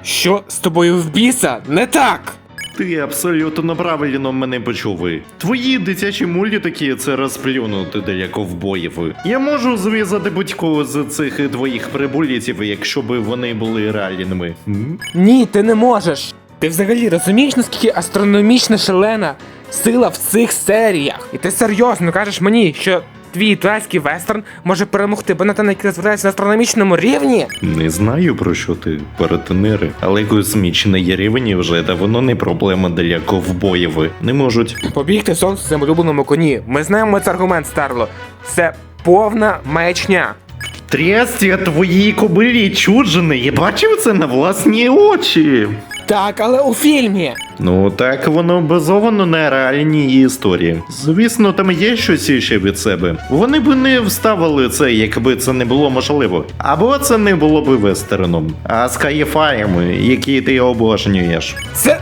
Що з тобою в біса не так? Ти абсолютно правильно мене почув. Твої дитячі мультики – це розплюнути для ковбоїв. Я можу зв'язати будь-кого з цих твоїх прибулітів, якщо б вони були реальними. Ні, ти не можеш. Ти взагалі розумієш, наскільки астрономічна шалена сила в цих серіях? І ти серйозно кажеш мені, що твій тайський вестерн може перемогти Беннетона, який розвивається на астрономічному рівні? Не знаю, про що ти, паратенери, але космічний рівень вже давно не проблема для ковбоїв. Не можуть. Побігти сонце в своєму улюбленому коні. Ми знаємо цей аргумент, Старло. Це повна маячня. Трястя твоїй кобилі чуджини, я бачив це на власні очі. Так, але у фільмі. Ну так воно базовано на реальній історії. Звісно, там є щось іще від себе. Вони б не вставили це, якби це не було можливо. Або це не було б вестерном, а скайфаєм, які ти обожнюєш. Це...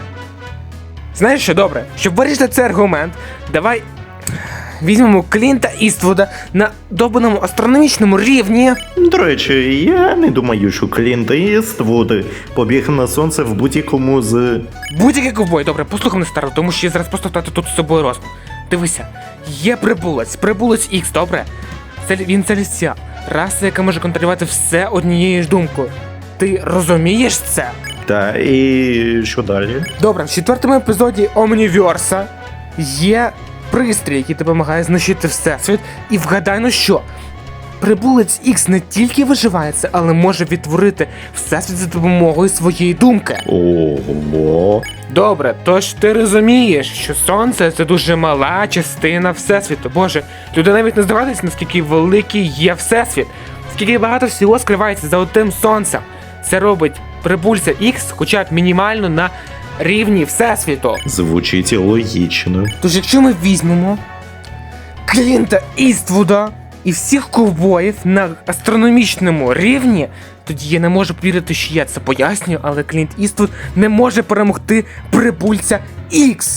Знаєш що, добре, щоб вирішити цей аргумент, давай візьмемо Клінта Іствуда на добаному астрономічному рівні. До речі, я не думаю, що Клінт Іствуд побіг на сонце в будь-якому з... Будь-який ковбой, добре, послухай мене, Старло, тому що я зараз просто втратив тут з собою розум. Дивися, є прибулець Ікс, добре? Він целестіал, раса, яка може контролювати все однією ж думкою. Ти розумієш це? Та і що далі? Добре, в 4-му епізоді Омніверса є пристрій, який допомагає знищити всесвіт. І вгадай, ну що? Прибулець Ікс не тільки виживається, але може відтворити всесвіт за допомогою своєї думки. Ого. Добре, тож ти розумієш, що сонце це дуже мала частина всесвіту. Боже, люди навіть не здогадуються, наскільки великий є всесвіт, скільки багато всього скривається за одним сонцем. Це робить прибульця Ікс хоча б мінімально на рівні всесвіту. Звучить логічно. Тож якщо ми візьмемо Клінта Іствуда і всіх ковбоїв на астрономічному рівні, тоді я не можу повірити, що я це пояснюю, але Клінт Іствуд не може перемогти прибульця Ікс.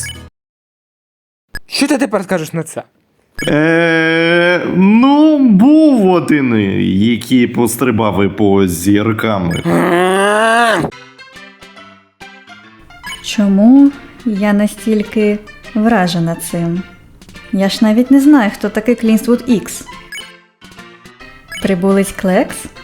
Що ти тепер скажеш на це? Ну, був один, який пострибав по зіркам. Чому я настільки вражена цим? Я ж навіть не знаю, хто такий Клінствуд Ікс. Прибулець Клекс?